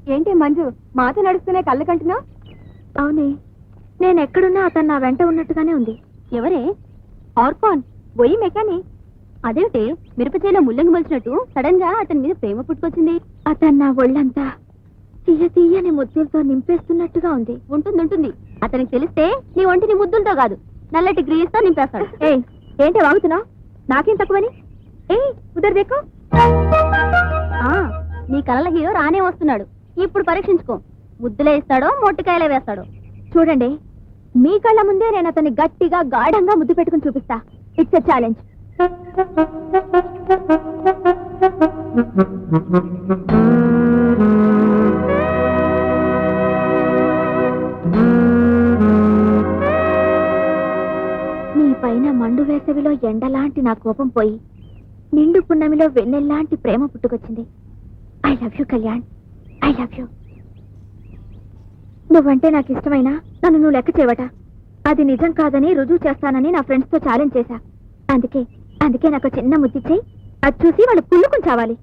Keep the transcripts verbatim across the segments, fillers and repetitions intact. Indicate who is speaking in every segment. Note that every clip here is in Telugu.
Speaker 1: ఏంటి మంజు మాతో నడుస్తూనే కళ్ళు కంటున్నావు? అవునే, నేను ఎక్కడున్నా అతను నా వెంట ఉన్నట్టుగానే ఉంది. ఎవరే? ఆర్కాన్ బొయ్యి మెకాని. అదేమిటి మిరపచేలో ముల్లంగి మలిచినట్టు సడన్ గా అతని మీద ప్రేమ పుట్టుకొచ్చింది? అతను నా ఒళ్ళంతా తీయ తీయని ముద్దులతో నింపేస్తున్నట్టుగా ఉంది. ఉంటుంది ఉంటుంది అతనికి తెలిస్తే నీ ఒంటిని ముద్దులతో కాదు నల్లటి గ్రీస్ తో నింపేస్తాడు. ఏ ఏంటి వాగుతున్నావు? నాకేం తక్కువని? ఏ ఉదర్ దేకో. నీ కలల హీరో రానే వస్తున్నాడు. ఇప్పుడు పరీక్షించుకో, ముద్దులే ఇస్తాడో మొట్టికాయలే వేస్తాడో చూడండి. మీ కళ్ళ ముందే నేను అతన్ని గట్టిగా గాఢంగా ముద్దు పెట్టుకుని చూపిస్తా. It's a challenge. నీ పైన మండు వేసవిలో ఎండలాంటి నా కోపం పోయి నిండు పున్నమిలో వెన్నెల్లాంటి ప్రేమ పుట్టుకొచ్చింది. I love you Kalyan, I love you. నువ్వంటే నాకు ఇష్టమైనా నన్ను నువ్వు లెక్క చేయవట. అది నిజం కాదని రుజువు చేస్తానని నా ఫ్రెండ్స్ తో ఛాలెంజ్ చేశా. అందుకే అందుకే నాకు చిన్న ముద్దిచ్చేయి. అది చూసి వాళ్ళు కుళ్ళుకుని చావాలి.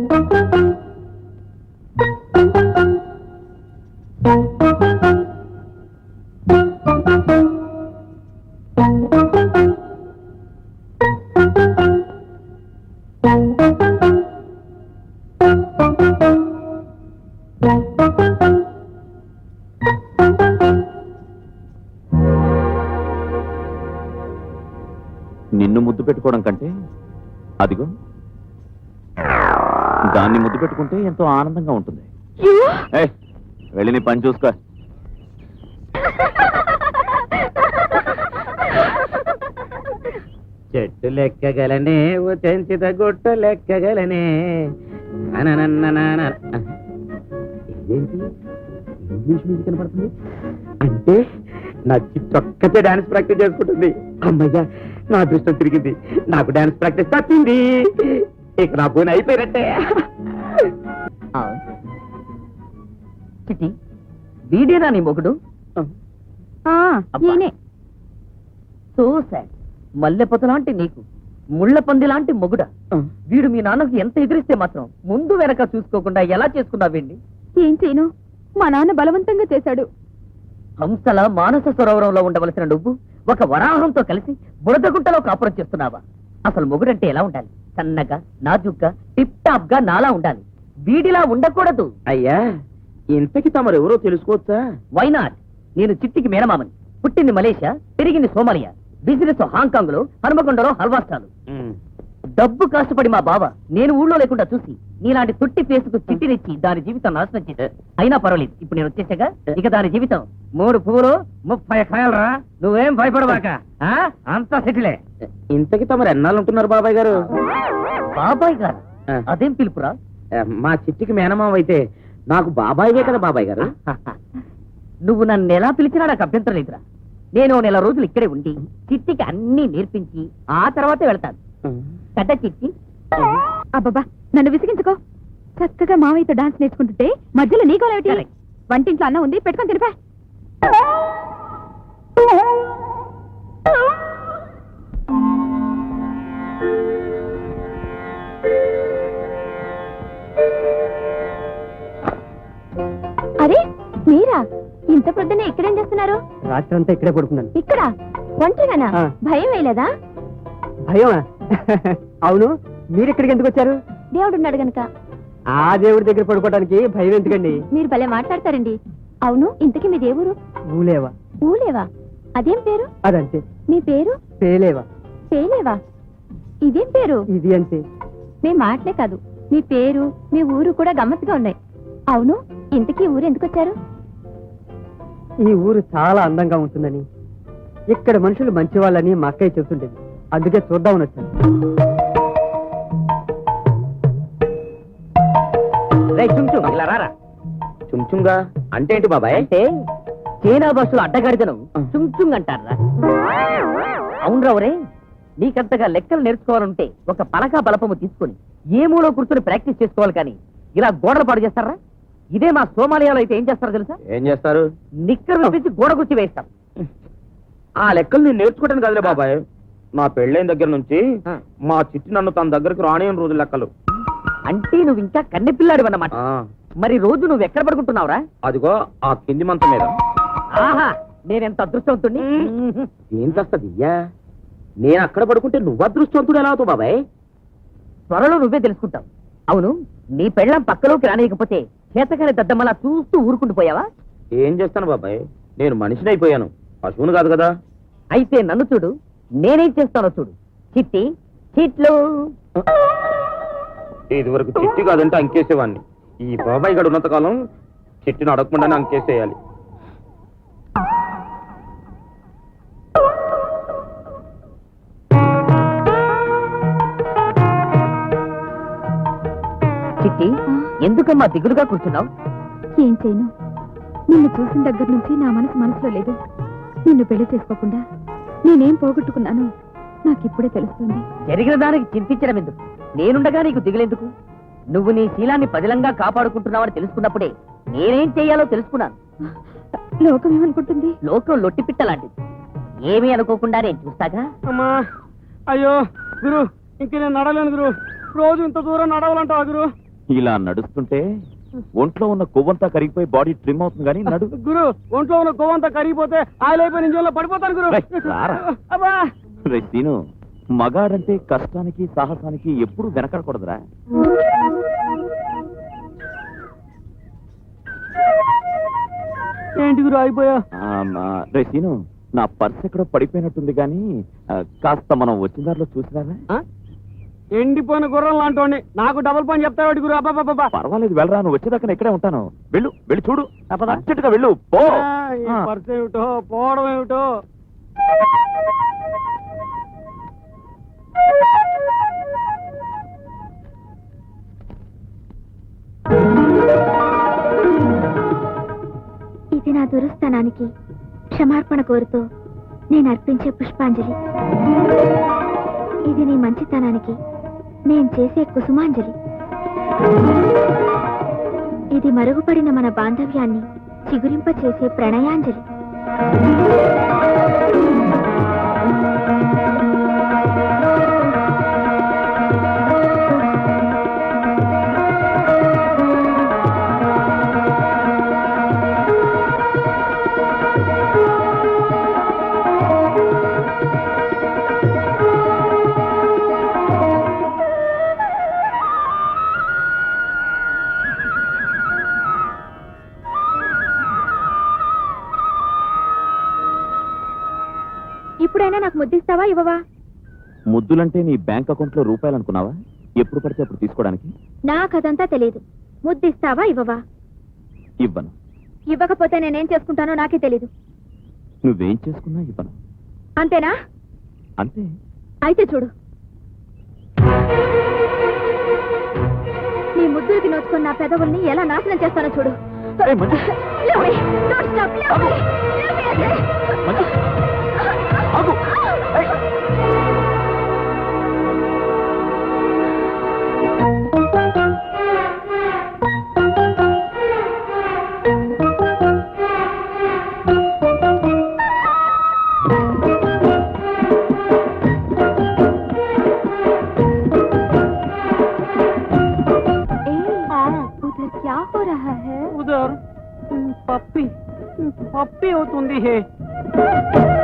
Speaker 2: నిన్ను ముద్దు పెట్టుకోవడం కంటే అదిగో దాన్ని ముద్దు పెట్టుకుంటే ఎంతో ఆనందంగా ఉంటుంది. వెళ్ళి నీ పని చూసుకో.
Speaker 3: చెట్టు లెక్కగలనే ఓ చెంచిత గుట్టు లెక్కగలనే. ఇదేంటి ఇంగ్లీష్ మ్యూజిక్ కనపడుతుంది? అంటే నా చిట్టొక్కతే డాన్స్ ప్రాక్టీస్ చేసుకుంటుంది. అమ్మయ్యా, నా అదృష్టం తిరిగింది. నాకు డాన్స్ ప్రాక్టీస్ తప్పింది. ఇక నా పోయిన అయిపోయినట్టే. చిట్టి, వీడేనా నీ మొగుడు? So sad. మల్లెపొత లాంటి నీకు ముళ్ళ పంది లాంటి మొగుడ. వీడు మీ నాన్నకు ఎంత ఎదిరిస్తే మాత్రం ముందు వెనక చూసుకోకుండా ఎలా చేసుకున్నావేండి?
Speaker 1: ఏం చేయను, మా నాన్న బలవంతంగా చేశాడు.
Speaker 3: హంసల మానస సరోవరంలో ఉండవలసిన నువ్వు ఒక వరాహంతో కలిసి బురదగుంటలో కాపురం చేస్తున్నావా? అసలు మొగుడంటే ఎలా ఉండాలి? సన్నగా, నాజుగ్గా, టిప్ టాప్ గా నాలా ఉండాలి. వీడిలా ఉండకూడదు.
Speaker 4: అయ్యా, ఇంతకి తమరు ఎవరో తెలుసుకోవచ్చా?
Speaker 3: Why not? నేను చిట్టికి మేనమామని. పుట్టింది మలేషియా, పెరిగింది సోమాలియా, బిజినెస్ హాంకాంగ్ లో, హనుమకొండలో హల్వా స్టాలు. డబ్బు కష్టపడి మా బావ నేను ఊళ్ళో లేకుండా చూసి నీలాంటి తుట్టి ఫేసుకు చిట్టినిచ్చి దాని జీవితం నాశనం చేసి అయినా పర్వాలేదు. ఇప్పుడు నేను వచ్చేసాగా, ఇక దాని జీవితం మూడు పువ్వులు ముప్పై కాయలరా. నువ్వేం భయపడవాక, అంతా సెటిలే.
Speaker 4: ఇంతకి తమరు ఎన్నాళ్ళు ఉంటున్నారు బాబాయ్ గారు?
Speaker 3: బాబాయ్ గారు? అదేం పిలుపురా?
Speaker 4: మా చిట్టికి మేనమావ అయితే నాకు బాబాయ్వే కదా బాబాయ్ గారు.
Speaker 3: నువ్వు నన్ను ఎలా పిలిచినా నాకు అభ్యంతరం లేదురా. నేను నెల రోజులు ఇక్కడే ఉండి చిట్టికి అన్ని నేర్పించి ఆ తర్వాతే వెళ్తాను. కథ చిట్టి.
Speaker 1: అబ్బబ్బా, నన్ను విసిగించుకో. చక్కగా మామయ్యతో డాన్స్ నేర్చుకుంటుంటే మధ్యలో నీకో లేటి? వంటింట్లో అన్నం ఉంది, పెట్టుకొని తినిపా. అరే మీరా, ఇంత పొద్దునే ఇక్కడేం చేస్తున్నారు?
Speaker 4: రాత్రి అంతా ఇక్కడే పడుకున్నాను.
Speaker 1: ఇక్కడ ఒంటరిగానా? భయం వేయలేదా?
Speaker 4: భయమా? అవును, మీరు ఇక్కడికి ఎందుకు వచ్చారు?
Speaker 1: దేవుడున్నాడు గనక.
Speaker 4: ఆ దేవుడి దగ్గర పడుకోవడానికి భయం ఎందుకండి?
Speaker 1: మీరు భలే మాట్లాడతారండి. అవును, ఇంతకీ మీ దేవురు?
Speaker 4: ఊలేవా.
Speaker 1: ఊలేవా? అదేం పేరు?
Speaker 4: అదంతే.
Speaker 1: మీ పేరు?
Speaker 4: పేలేవా.
Speaker 1: పేలేవా? ఇదేం పేరు?
Speaker 4: ఇది అంతే.
Speaker 1: మీ మాటలే కాదు, మీ పేరు, మీ ఊరు కూడా గమ్మత్తుగా ఉన్నాయి. అవును, ఇంతకీ ఊరు ఎందుకు వచ్చారు?
Speaker 4: ఈ ఊరు చాలా అందంగా ఉంటుందని, ఇక్కడ మనుషులు మంచివాళ్ళని మా అక్కయ్య చెబుతుండేది. అందుకే చూద్దామని వచ్చాను.
Speaker 2: చుంచుంగా అంటే ఏంటి బాబాయ్?
Speaker 3: అంటే చైనా భాషలో అడ్డగాడిదను చుంచుంగ్ అంటారా? అవునరా ఒరే, నీకంతగా లెక్కలు నేర్చుకోవాలంటే ఒక పలక బలపము తీసుకుని ఏ మూలో కూర్చొని ప్రాక్టీస్ చేసుకోవాలి, కానీ ఇలా గోడలు పాడు చేస్తారా? ఇదే మా సోమాలియాలో అయితే ఏం చేస్తారో తెలుసా?
Speaker 2: ఏం చేస్తారు?
Speaker 3: నిక్కర్ విప్పించి గోడ గుచ్చి వేస్తాం.
Speaker 2: ఆ లెక్కలు నేను నేర్చుకోవడానికి కదలే బాబాయ్. నా పెళ్ళైన దగ్గర నుంచి మా చిట్టి నన్ను తన దగ్గరకు రానియని రోజు లెక్కలు.
Speaker 3: అంటే నువ్వు ఇంకా కన్నె పిల్లాడు అన్నమాట. మరి రోజు నువ్వు ఎక్కడ పడుకుంటున్నావురా?
Speaker 2: అదిగో ఆ కింది మంచం మీద.
Speaker 3: ఆహా, నేనెంత అదృష్టవంతుణ్ణి.
Speaker 2: ఏం చేస్తదియ్యా? నేను అక్కడ పడుకుంటే నువ్వు అదృష్టవంతుడు ఎలా అవుతావు బాబాయ్?
Speaker 3: త్వరలో నువ్వే తెలుసుకుంటావు. అవును, నీ పెళ్ళం పక్కలోకి రానియకపోతే చేతకాని దద్దమ్మలా చూస్తూ ఊరుకుండిపోయావా?
Speaker 2: ఏం చేస్తాను బాబాయ్, నేను మనిషిని అయిపోయాను, పశువును కాదు కదా.
Speaker 3: అయితే నన్ను చూడు, నేనేం చేస్తానో చూడు. చిట్టి చిట్లు.
Speaker 2: ఇది వరకు చిట్టి కాదంటే అంకేసేవాడిని. ఈ బాబాయ్ గడు ఉన్నంత కాలం చిట్టిని అడగకుండానే అంకేసేయాలి.
Speaker 3: చిట్టి, ఎందుకమ్మా దిగులుగా కూర్చున్నావు?
Speaker 1: ఏం చేయను, నిన్ను చూసిన దగ్గర నుంచి నా మనసు మనసులో లేదు. నిన్ను పెళ్లి చేసుకోకుండా నేనేం పోగొట్టుకున్నాను నాకిప్పుడే తెలుస్తుంది.
Speaker 3: జరిగిన దానికి చింతించడం ఎందుకు? నేనుండగా నీకు దిగులెందుకు? నువ్వు నీ శీలాన్ని పదిలంగా కాపాడుకుంటున్నావని తెలుసుకున్నప్పుడే నేనేం చెయ్యాలో తెలుసుకున్నాను.
Speaker 1: లోకం ఏమనుకుంటుంది?
Speaker 3: లోకం లొట్టిపిట్ట లాంటిది, ఏమీ అనుకోకుండా నేను చూస్తాగా.
Speaker 4: అమ్మా, అయ్యో గురు, ఇంక నేను నడలేను గురు. రోజు ఇంత దూరం నడవాలంటావా గురు?
Speaker 2: ఇలా నడుస్తుంటే ఒంట్లో ఉన్న కొవ్వంతా కరిగిపోయి బాడీ ట్రిమ్ అవుతుంది కానీ నడు.
Speaker 4: గురు, ఒంట్లో ఉన్న కొవ్వంతా కరిగిపోతే ఆయిల్ అయిపోయి ఇంజన్లో పడిపోతాను గురు.
Speaker 2: రేయ్, రారా.
Speaker 4: అబ్బా,
Speaker 2: రేయ్ సీను, మగాడంటే కష్టానికి సాహసానికి ఎప్పుడు వెనకడకూడదురా.
Speaker 4: ఏంటి గురు అయిపోయా?
Speaker 2: రే సీను, నా పర్స్ ఎక్కడో పడిపోయినట్టుంది కానీ ఆ, కాస్త మనం వచ్చిన దారిలో చూసినారా?
Speaker 4: ఎండిపోయిన గుర్రం లాంటి నాకు డబుల్ పని చెప్తాడు గురు. అబ్బాబ్బా,
Speaker 2: పర్వాలేదు, వెళ్ళరా, నువ్వు వచ్చేదాకా ఇక్కడే ఉంటాను. వెళ్ళు, వెళ్ళి చూడు, అర్జెంటుగా వెళ్ళు, పో.
Speaker 4: పర్స్ ఏమిటో పోవడం ఏమిటో.
Speaker 1: ఇది నా దురస్థానానికి క్షమార్పణ కోరుతూ నేను అర్పించే పుష్పాంజలి. ఇది నీ మంచితనానికి నేను చేసే కుసుమాంజలి. ఇది మరుగుపడిన మన బాంధవ్యాన్ని చిగురింప చేసే ప్రణయాంజలి. ఇప్పుడైనా నాకు ముద్దిస్తావా ఇవ్వవా?
Speaker 2: ముద్దులంటే నీ బ్యాంక్ అకౌంట్ లో రూపాయలు అనుకున్నావా? ఎప్పుడు పడితే అప్పుడు తీసుకోవడానికి.
Speaker 1: నాకదంతా తెలియదు. ముద్దిస్తావా ఇవ్వవా?
Speaker 2: ఇవ్వను.
Speaker 1: ఇవ్వకపోతే నేనేం చేసుకుంటానో నాకే తెలీదు.
Speaker 2: నువ్వేం చేసుకున్నా ఇవ్వను.
Speaker 1: అంతేనా?
Speaker 2: అంతే.
Speaker 1: అయితే చూడు, నీ ముద్దులకి నోచుకున్న నా పెదవుల్ని ఎలా నాశనం చేస్తానో చూడు.
Speaker 2: ఏయ్, Manju.
Speaker 1: Leave me. Don't stop. Leave me. Leave me, I say.
Speaker 2: Manju, ఆగు. ఏయ్.
Speaker 1: उधर क्या हो रहा है?
Speaker 4: ఉదర్ పప్పి పప్పి అవుతుంది హే.